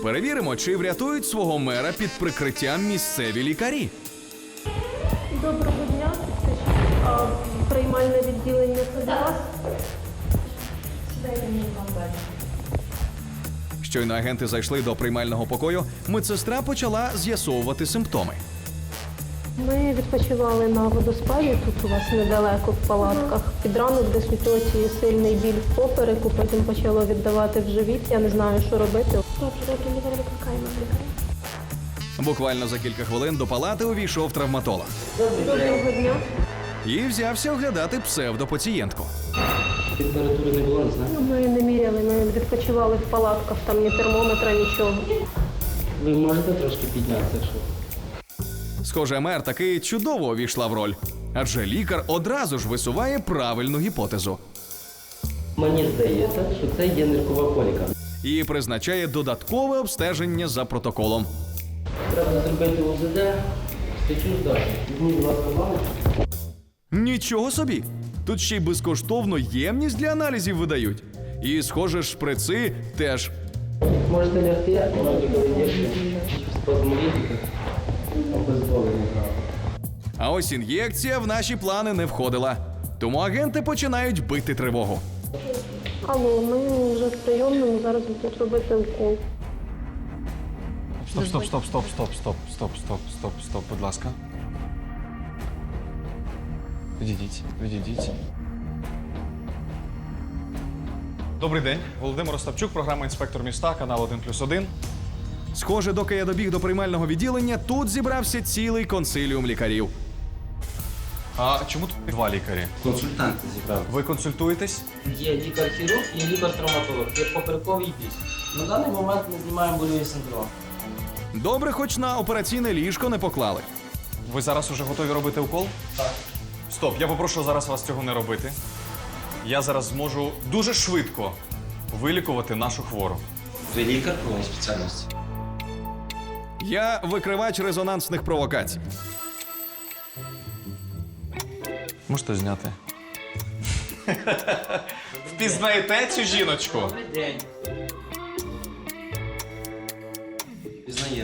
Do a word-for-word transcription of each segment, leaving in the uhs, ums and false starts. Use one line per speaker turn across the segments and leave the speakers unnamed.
Перевіримо, чи врятують свого мера під прикриттям місцеві лікарі.
Доброго дня. А, приймальне відділення це для вас?
Дайте мені контакт.
Щойно агенти зайшли до приймального покою, медсестра почала з'ясовувати симптоми.
Ми відпочивали на водоспаді, тут у вас недалеко в палатках. Під ранок десь у тьоті сильний біль в попереку, потім почало віддавати в живіт. Я не знаю, що робити. Добре, добре, лікаря викликаємо лікаря.
Буквально за кілька хвилин до палати увійшов травматолог.
Доброго дня.
І взявся оглядати псевдопацієнтку.
Температури не було, не знаю.
Ну, ми не міряли, ми відпочивали в палатках, там ні термометра, нічого.
Ви можете трошки піднятися, якщо?
Схоже, мер таки чудово увійшла в роль. Адже лікар одразу ж висуває правильну гіпотезу.
Мені здається, що це є ниркова коліка.
І призначає додаткове обстеження за протоколом.
Треба зробити О З Д, стечу здати. Візьміть, будь ласка, баночку.
Нічого собі! Тут ще й безкоштовно ємність для аналізів видають. І, схоже, шприци теж.
Можете лягти, можете коли спазмолітика, обезболення.
А ось ін'єкція в наші плани не входила. Тому агенти починають бити тривогу.
Алло, ми вже в прийомному, зараз будуть робити укол.
Стоп, стоп, стоп, стоп, стоп, стоп, стоп, стоп, стоп, стоп, будь ласка. Відійдіть, відійдіть. Добрий день. Володимир Остапчук, програма «Інспектор міста», канал один плюс один.
Схоже, доки я добіг до приймального відділення, тут зібрався цілий консиліум лікарів.
А чому тут два лікарі?
Консультанти зібрали.
Ви консультуєтесь?
Є лікар-хірург і лікар-травматолог. Є поперековий біль. На даний момент ми знімаємо больовий синдром.
Добре, хоч на операційне ліжко не поклали.
Ви зараз уже готові робити укол?
Так.
Стоп, я попрошу зараз вас цього не робити. Я зараз зможу дуже швидко вилікувати нашу хвору.
Ви лікар по спеціальності?
Я викривач резонансних провокацій.
Можете зняти. Впізнаєте цю жіночку?
Добрий день. Пізнаємо.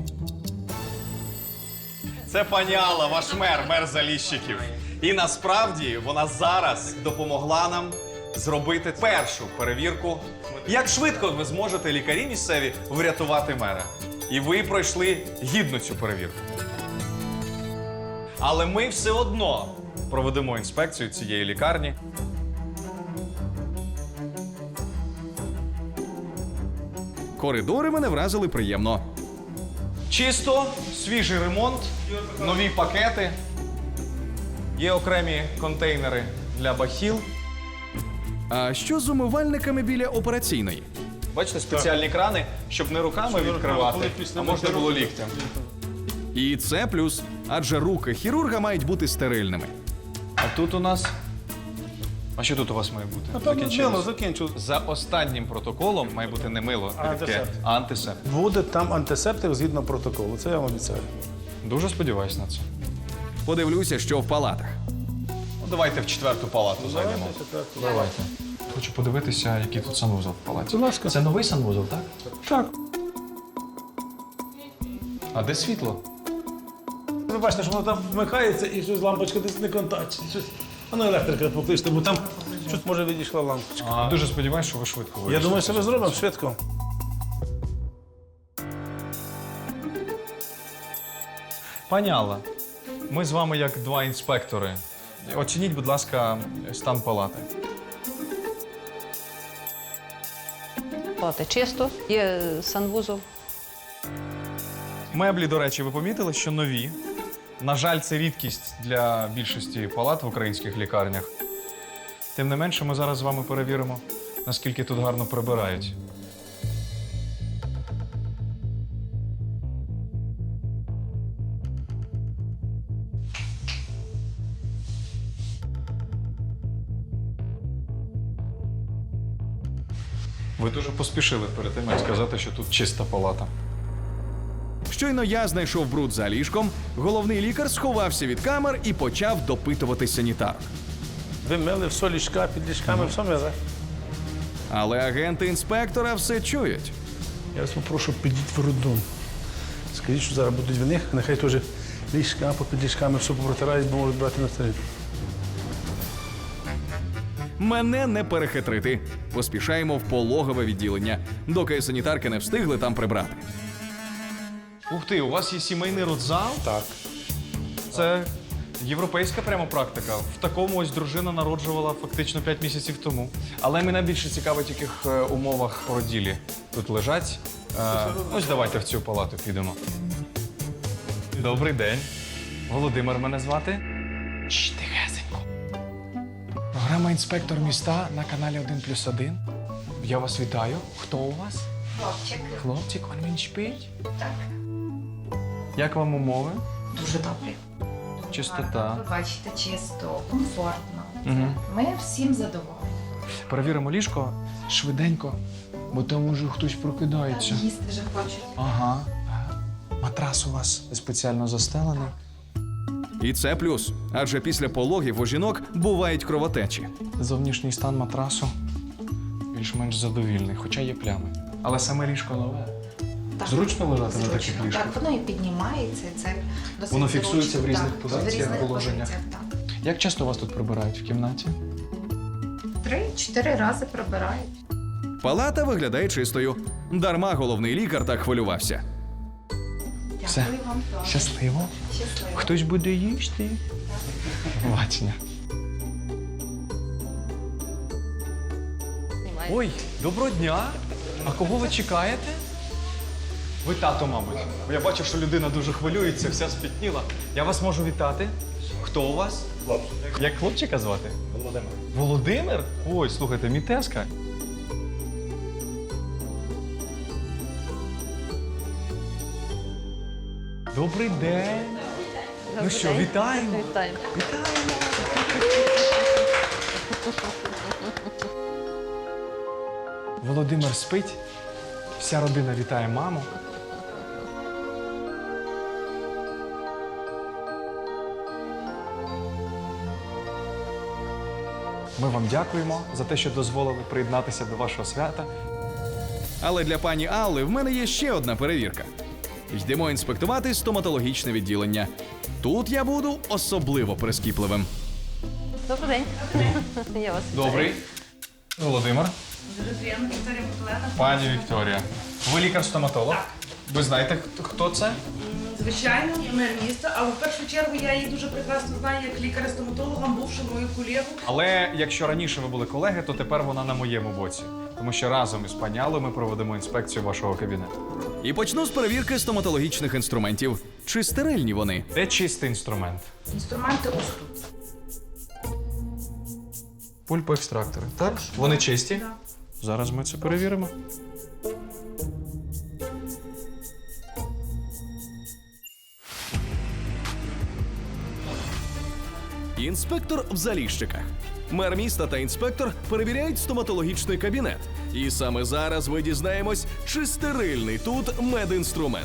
Це пані Алла, ваш мер, мер Заліщиків. І насправді вона зараз допомогла нам зробити першу перевірку. Як швидко ви зможете, лікарі місцеві, врятувати мера? І ви пройшли гідно цю перевірку. Але ми все одно проведемо інспекцію цієї лікарні.
Коридори мене вразили приємно.
Чисто, свіжий ремонт, нові пакети. Є окремі контейнери для бахіл.
А що з умивальниками біля операційної?
Бачите, спеціальні крани, щоб не руками відкривати, а можна було ліктем.
І це плюс, адже руки хірурга мають бути стерильними.
А тут у нас... А що тут у вас має бути?
А там
Закінчилось?
мило закінчу.
За останнім протоколом має бути не мило,
А,
рідке,
антисептик.
а антисептик.
Буде там антисептик згідно протоколу. Це я вам обіцяю.
Дуже сподіваюсь на це.
Подивлюся, що в палатах.
Ну, давайте в четверту палату зайдемо. Давайте. Хочу подивитися, який тут санвузол в палаті.
Будь ласка.
Це новий санвузол, так?
Так.
А де світло?
Ви бачите, що воно там вмикається і щось лампочка десь не контактить. Щось... А ну електрика покличте, бо там щось може відійшла лампочка.
А, дуже сподіваюся, що ви швидко вийшли.
Я думаю, що ми зробимо швидко.
Пані Алла, ми з вами як два інспектори. Оцініть, будь ласка, стан палати.
Палата чисто, є санвузол.
Меблі, до речі, ви помітили, що нові. На жаль, це рідкість для більшості палат в українських лікарнях. Тим не менше, ми зараз з вами перевіримо, наскільки тут гарно прибирають. Ви дуже поспішили перед тим, як сказати, що тут чиста палата.
Щойно я знайшов бруд за ліжком, головний лікар сховався від камер і почав допитувати санітарок.
Ви мили все ліжка, під ліжками, все мили.
Але агенти інспектора все чують.
Я вас попрошу, підіть в роддом. Скажіть, що зараз будуть в них, нехай теж ліжка, попід ліжками все попротирають, бо можуть брати на старі.
Мене не перехитрити. Поспішаємо в пологове відділення, доки санітарки не встигли там прибрати.
Ух ти, у вас є сімейний родзал?
Так.
Це європейська прямо практика. В такому ось дружина народжувала фактично п'ять місяців тому. Але мене більше цікавить, в яких е, умовах породілі тут лежать. Е, ось давайте в цю палату підемо. Добрий день. Володимир мене звати. Чш, тихесенько. Програма «Інспектор міста» на каналі один плюс один. Я вас вітаю. Хто у вас?
Хлопчик.
Хлопчик, он він шпить?
Так.
Як вам умови?
Дуже добре.
Чистота.
Ви бачите, чисто, комфортно.
Мгм.
Ми всім задоволені.
Перевіримо ліжко швиденько, бо там уже хтось прокидається.
Їсти вже хочуть.
Ага. Матрас у вас спеціально застелений.
І це плюс, адже після пологів у жінок бувають кровотечі.
Зовнішній стан матрасу більш-менш задовільний, хоча є плями. Але саме ліжко нове.
Так.
Зручно лежати на
Зручно.
таких ліжках?
Так, воно і піднімається, і це досить
Воно фіксується
зручно.
в різних
Так,
позиціях,
в різних
положеннях?
позиціях, так.
Як часто вас тут прибирають в кімнаті?
Три-чотири рази прибирають.
Палата виглядає чистою. Дарма головний лікар так хвилювався.
Все.
Дякую вам теж.
Щасливо.
Щасливо.
Хтось буде їсти. Бачення. Ой, доброго дня! А кого ви чекаєте? Ви тато, мабуть. Бо я бачу, що людина дуже хвилюється, вся спітніла. Я вас можу вітати. Хто у вас? Хлопчик. Як хлопчика звати? Володимир. Володимир? Ой, слухайте, мій тезка. Добрий день. Ну що, вітаємо.
Вітаємо.
Володимир спить. Вся родина вітає маму. Ми вам дякуємо за те, що дозволили приєднатися до вашого свята.
Але для пані Алли в мене є ще одна перевірка. Йдемо інспектувати стоматологічне відділення. Тут я буду особливо прискіпливим.
Добрий день. Я вас вітаю.
Добрий. Володимир.
Дуже приємно, Вікторія Миколаївна.
Пані Вікторія. Ви лікар-стоматолог? Ви знаєте, хто- хто це?
Звичайно, я мер міста, але в першу чергу я її дуже прекрасно знаю як лікаря-стоматологом, бувшу мою колегу.
Але якщо раніше ви були колеги, то тепер вона на моєму боці. Тому що разом із пані Аллою ми проведемо інспекцію вашого кабінету.
І почну з перевірки стоматологічних інструментів. Чи стерильні вони?
Де чистий інструмент?
Інструменти ось тут.
Пульпоекстрактори. Так? Вони чисті? Зараз ми це перевіримо.
Інспектор в Заліщиках. Мер міста та інспектор перевіряють стоматологічний кабінет. І саме зараз ви дізнаємось, чи стерильний тут медінструмент.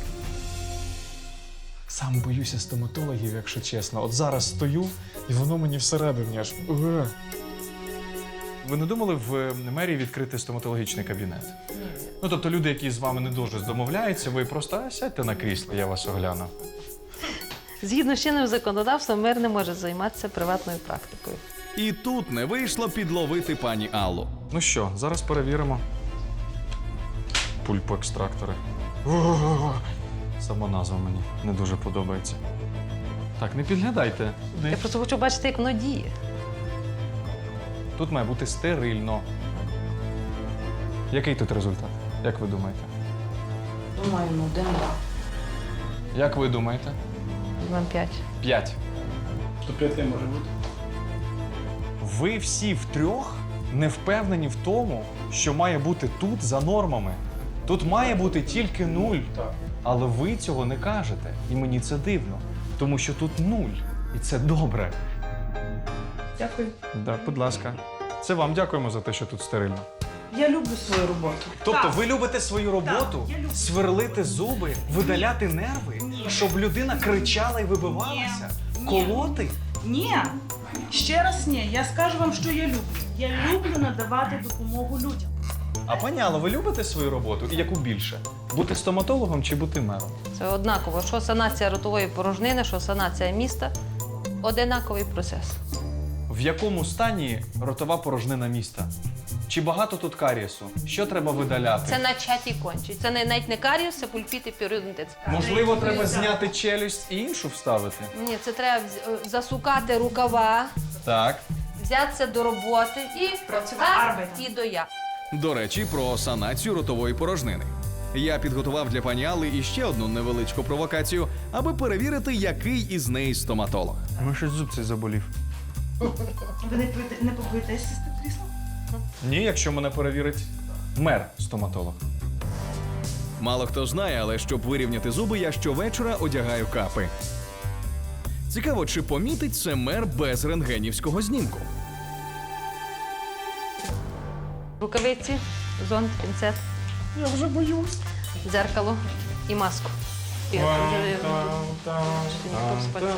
Сам боюся стоматологів, якщо чесно. От зараз стою, і воно мені всередині аж. Уге. Ви не думали в мерії відкрити стоматологічний кабінет? Ну, тобто люди, які з вами не дуже домовляються, ви просто «А, сядьте на крісло, я вас огляну.
Згідно з чинним законодавством, мер не може займатися приватною практикою.
І тут не вийшло підловити пані Аллу.
Ну що, зараз перевіримо. Пульпоекстрактори. Ого-го-го. Сама назва мені не дуже подобається. Так, не підглядайте.
Я просто хочу бачити, як воно діє.
Тут має бути стерильно. Який тут результат? Як ви думаєте?
Думаю, ну один-два.
Як ви думаєте?
Вам п'ять.
П'ять.
То п'яти може бути.
Ви всі втрьох не впевнені в тому, що має бути тут за нормами. Тут має бути тільки нуль.
Так.
Але ви цього не кажете. І мені це дивно. Тому що тут нуль. І це добре.
Дякую.
Так, будь ласка. Це вам дякуємо за те, що тут стерильно.
Я люблю свою роботу.
Тобто
Так.
ви любите свою роботу,
Так, я люблю.
сверлити зуби, видаляти нерви, щоб людина кричала і вибивалася,
Ні.
колоти?
Ні. Ще раз ні. Я скажу вам, що я люблю. Я люблю надавати допомогу людям.
А пані Алло, ви любите свою роботу? І яку більше? Бути стоматологом чи бути мером?
Це однаково. Що санація ротової порожнини, що санація міста. Одинаковий процес.
В якому стані ротова порожнина міста? Чи багато тут карієсу? Що треба видаляти?
Це начаті кончі. Це не, навіть не каріус, це пульпіт і періодонтит.
Можливо, треба зняти челюсть і іншу вставити?
Ні, це треба вз- засукати рукава,
Так.
взятися до роботи і працювати і до я.
До речі, про санацію ротової порожнини. Я підготував для пані Алли іще одну невеличку провокацію, аби перевірити, який із неї стоматолог.
Ну, щось зуб цей заболів.
Ви не, побоїте- не побоїтесь сісти в крісло?
Ні, якщо мене перевірить мер-стоматолог.
Мало хто знає, але щоб вирівняти зуби, я щовечора одягаю капи. Цікаво, чи помітить це мер без рентгенівського знімку.
Рукавиці, зонт, пінцет,
Я вже боюсь.
дзеркало і маску. І от вже- Чи ніхто спати?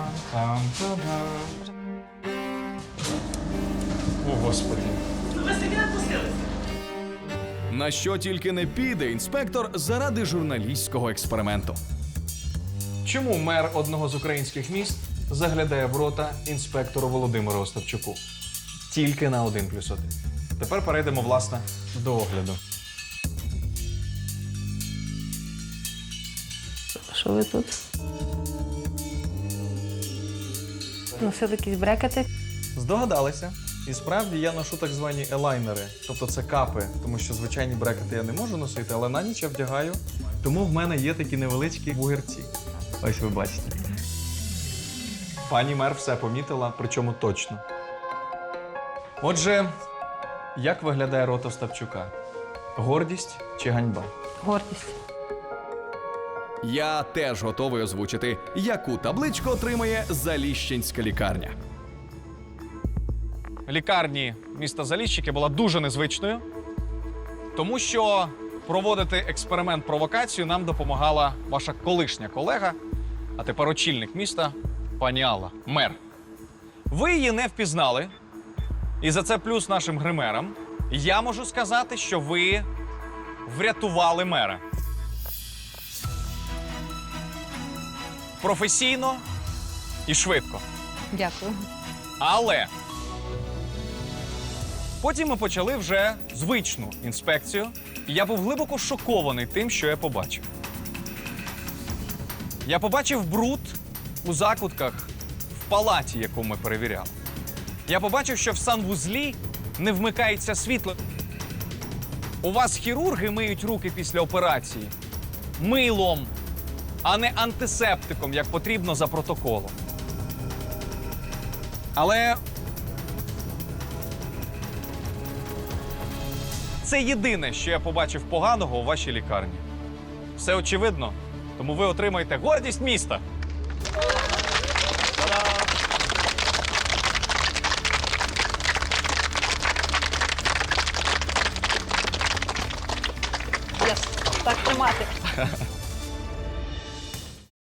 О, Господи.
Ви собі не пустилися.
На що тільки не піде інспектор заради журналістського експерименту.
Чому мер одного з українських міст заглядає в рота інспектору Володимиру Остапчуку? Тільки на один плюс один. Тепер перейдемо, власне, до огляду.
Що ви тут? Носили якісь брекети.
Здогадалися. І справді я ношу так звані елайнери, тобто це капи, тому що звичайні брекети я не можу носити, але на ніч я вдягаю, тому в мене є такі невеличкі вугерці. Ось ви бачите. Пані мер все помітила, причому точно. Отже, як виглядає рот Остапчука? Гордість чи ганьба?
Гордість.
Я теж готовий озвучити, яку табличку отримає Заліщенська лікарня.
Лікарні міста Заліщики була дуже незвичною, тому що проводити експеримент-провокацію нам допомагала ваша колишня колега, а тепер очільник міста, пані Алла, мер. Ви її не впізнали, і за це плюс нашим гримерам. Я можу сказати, що ви врятували мера. Професійно і швидко.
Дякую.
Але потім ми почали вже звичну інспекцію, і я був глибоко шокований тим, що я побачив. Я побачив бруд у закутках в палаті, яку ми перевіряли. Я побачив, що в санвузлі не вмикається світло. У вас хірурги миють руки після операції милом, а не антисептиком, як потрібно за протоколом. Але це єдине, що я побачив поганого у вашій лікарні. Все очевидно, тому ви отримаєте гордість міста.
Єс. Так тримати.